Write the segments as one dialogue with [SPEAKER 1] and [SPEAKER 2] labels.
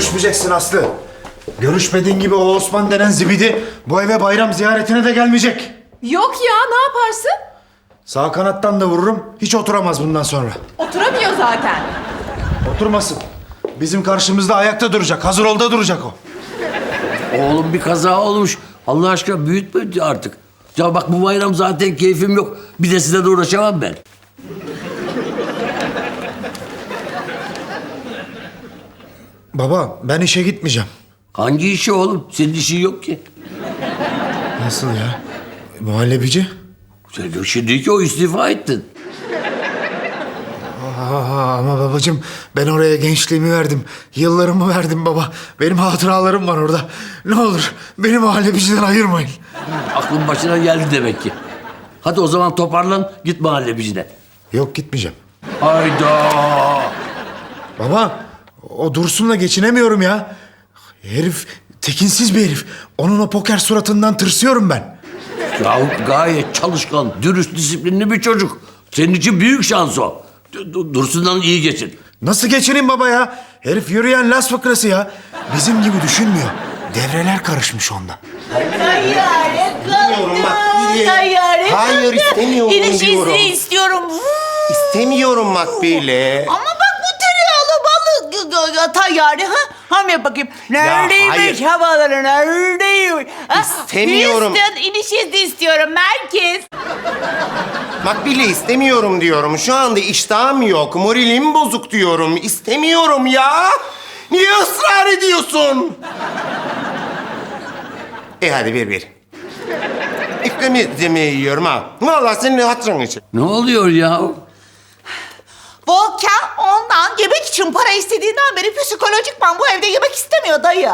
[SPEAKER 1] Görüşmeyeceksin Aslı. Görüşmediğin gibi o Osman denen zibidi bu eve bayram ziyaretine de gelmeyecek.
[SPEAKER 2] Yok ya, ne yaparsın?
[SPEAKER 1] Sağ kanattan da vururum. Hiç oturamaz bundan sonra.
[SPEAKER 2] Oturamıyor zaten.
[SPEAKER 1] Oturmasın. Bizim karşımızda ayakta duracak. Hazır ol da duracak o.
[SPEAKER 3] Oğlum bir kaza olmuş. Allah aşkına büyütme artık. Ya bak bu bayram zaten keyfim yok. Bir de size de uğraşamam ben.
[SPEAKER 1] Baba ben işe gitmeyeceğim.
[SPEAKER 3] Hangi işi oğlum? Senin işin yok ki.
[SPEAKER 1] Nasıl ya? Muhallebici?
[SPEAKER 3] Sen şimdi ki o istifa ettin.
[SPEAKER 1] Ama babacığım ben oraya gençliğimi verdim. Yıllarımı verdim baba. Benim hatıralarım var orada. Ne olur beni muhallebiciden ayırmayın.
[SPEAKER 3] Aklın başına geldi demek ki. Hadi o zaman toparlan git mahallebicine.
[SPEAKER 1] Yok gitmeyeceğim.
[SPEAKER 3] Hayda.
[SPEAKER 1] Baba o Dursun'la geçinemiyorum ya. Herif tekinsiz bir herif. Onun o poker suratından tırsıyorum ben.
[SPEAKER 3] Ya gayet çalışkan, dürüst, disiplinli bir çocuk. Senin için büyük şans o. Dursun'dan iyi geçin.
[SPEAKER 1] Nasıl geçineyim baba ya? Herif yürüyen las fıkrası ya. Bizim gibi düşünmüyor. Devreler karışmış onda.
[SPEAKER 4] Tayyare
[SPEAKER 5] Bilmiyorum bak,
[SPEAKER 4] kalktı.
[SPEAKER 5] Billy.
[SPEAKER 4] Tayyare
[SPEAKER 5] Hayır,
[SPEAKER 4] kalktı.
[SPEAKER 5] istemiyorum
[SPEAKER 4] İniş
[SPEAKER 5] diyorum.
[SPEAKER 4] izni istiyorum.
[SPEAKER 5] İstemiyorum Makbule.
[SPEAKER 4] Ama bak bu tereyağlı balık tayyare ha? Ham yap bakayım. Neredeymiş
[SPEAKER 5] hayır.
[SPEAKER 4] havaları neredeymiş? Ha?
[SPEAKER 5] İstemiyorum.
[SPEAKER 4] Houston iniş izni istiyorum merkez.
[SPEAKER 5] Makbule istemiyorum diyorum. Şu anda iştahım yok. Moralim bozuk diyorum. İstemiyorum ya. Niye ısrar ediyorsun? Hadi ver. İkramiyetimi yiyorum ha. Vallahi senin hatırın için.
[SPEAKER 3] Ne oluyor ya?
[SPEAKER 4] Volkan ondan yemek için para istediğinden beri psikolojikman bu evde yemek istemiyor dayı.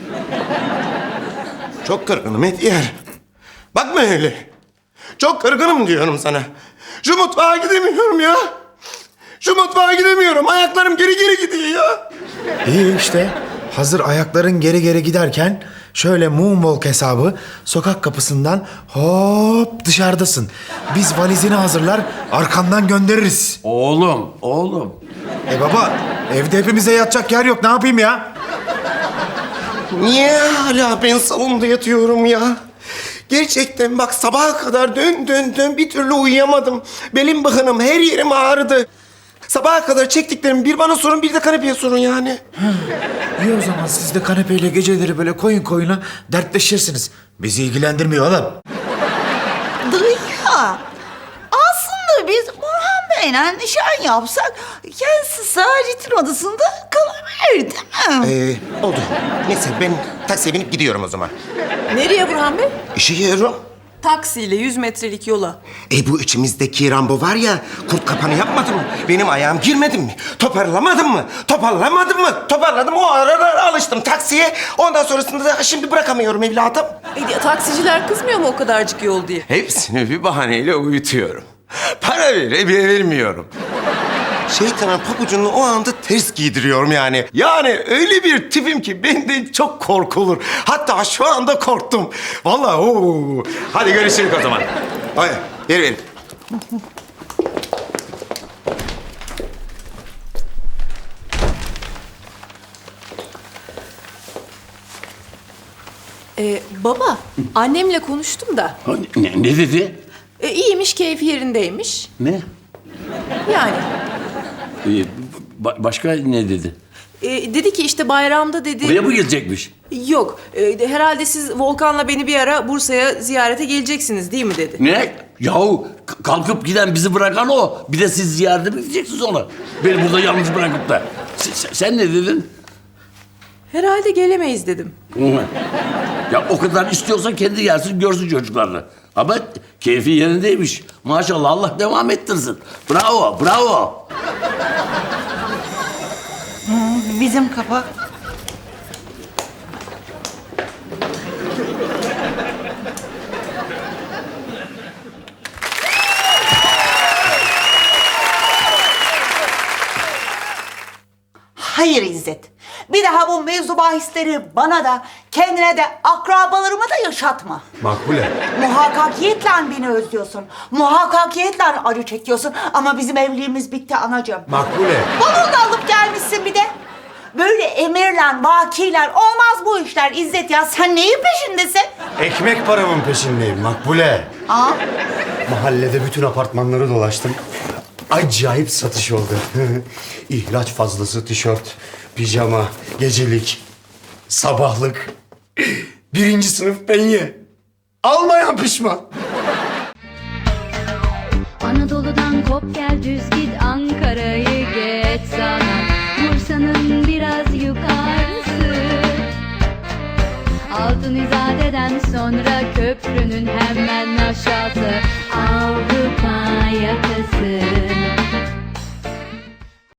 [SPEAKER 5] Çok kırgınım Etyer. Bakma öyle. Çok kırgınım diyorum sana. Şu mutfağa gidemiyorum ya. Şu mutfağa gidemiyorum. Ayaklarım geri gidiyor ya.
[SPEAKER 1] İyi işte. Hazır ayakların geri giderken şöyle moonwalk hesabı sokak kapısından hop dışarıdasın. Biz valizini hazırlar arkandan göndeririz.
[SPEAKER 3] Oğlum.
[SPEAKER 1] Baba evde hepimize yatacak yer yok ne yapayım ya?
[SPEAKER 5] Niye hala ben salonda yatıyorum ya? Gerçekten bak sabaha kadar dön bir türlü uyuyamadım. Belim bıkınım, her yerim ağrıdı. Sabaha kadar çektiklerimi bir bana sorun bir de kanepeye sorun yani.
[SPEAKER 1] İyi o zaman siz de kanepeyle geceleri böyle koyun koyuna dertleşirsiniz. Bizi ilgilendirmiyor oğlum.
[SPEAKER 4] Dayı, aslında biz Orhan Bey'le nişan yapsak kendisi Sacit'in odasında kalabilir değil mi?
[SPEAKER 5] Oldu. Neyse ben taksiye binip gidiyorum o zaman.
[SPEAKER 2] Nereye Burhan Bey?
[SPEAKER 5] İşe yiyorum.
[SPEAKER 2] Taksiyle 100 metrelik yola.
[SPEAKER 5] Bu içimizdeki Rambo var ya, kurt kapanı yapmadım mı? Benim ayağım girmedi mi? Toparlamadım mı? Toparladım. O aralar alıştım taksiye. Ondan sonrasında da şimdi bırakamıyorum evladım.
[SPEAKER 2] Taksiciler kızmıyor mu o kadarcık yol diye?
[SPEAKER 5] Hepsini bir bahaneyle uyutuyorum. Para vermiyorum. Şeytanın pabucunu o anda ters giydiriyorum yani. Yani öyle bir tipim ki benden çok korkulur. Hatta şu anda korktum. Vallahi oo. Hadi görüşürüz o zaman. Hadi ver.
[SPEAKER 2] Baba, annemle konuştum da.
[SPEAKER 3] Ne dedi?
[SPEAKER 2] İyiymiş, keyfi yerindeymiş.
[SPEAKER 3] Ne?
[SPEAKER 2] Yani.
[SPEAKER 3] Başka ne dedi?
[SPEAKER 2] Dedi ki işte bayramda dedi...
[SPEAKER 3] Buraya mı gelecekmiş?
[SPEAKER 2] Yok, herhalde siz Volkan'la beni bir ara Bursa'ya ziyarete geleceksiniz değil mi dedi.
[SPEAKER 3] Ne? Yahu kalkıp giden bizi bırakan o. Bir de siz ziyarete mi gideceksiniz ona? Beni burada yalnız bırakıp da. Sen ne dedin?
[SPEAKER 2] Herhalde gelemeyiz dedim.
[SPEAKER 3] Ya o kadar istiyorsa kendi gelsin görsün çocuklarını. Ama keyfi yerindeymiş. Maşallah Allah devam ettirsin. Bravo.
[SPEAKER 4] Bizim kapı. Hayır İzzet. Bir daha bu mevzu bahisleri bana da, kendine de, akrabalarıma da yaşatma.
[SPEAKER 1] Makbule.
[SPEAKER 4] Muhakkakiyetle beni özlüyorsun. Muhakkakiyetle acı çekiyorsun. Ama bizim evliliğimiz bitti anacığım.
[SPEAKER 1] Makbule.
[SPEAKER 4] Bavulunu alıp gelmişsin bir de. Böyle emirler, vakiler olmaz bu işler İzzet ya. Sen neyin peşindesin?
[SPEAKER 6] Ekmek paramın peşindeyim Makbule.
[SPEAKER 4] Aa,
[SPEAKER 6] Mahallede bütün apartmanları dolaştım. Acayip satış oldu. İhraç fazlası tişört, pijama, gecelik, sabahlık. 1. sınıf penye. Almayan pişman.
[SPEAKER 7] Anadolu'dan kop gel düz git Ankara'yı geç sana Bursa'nın biraz yukarısı Altın İzade'den sonra köprünün hemen aşağısı Avrupa yakası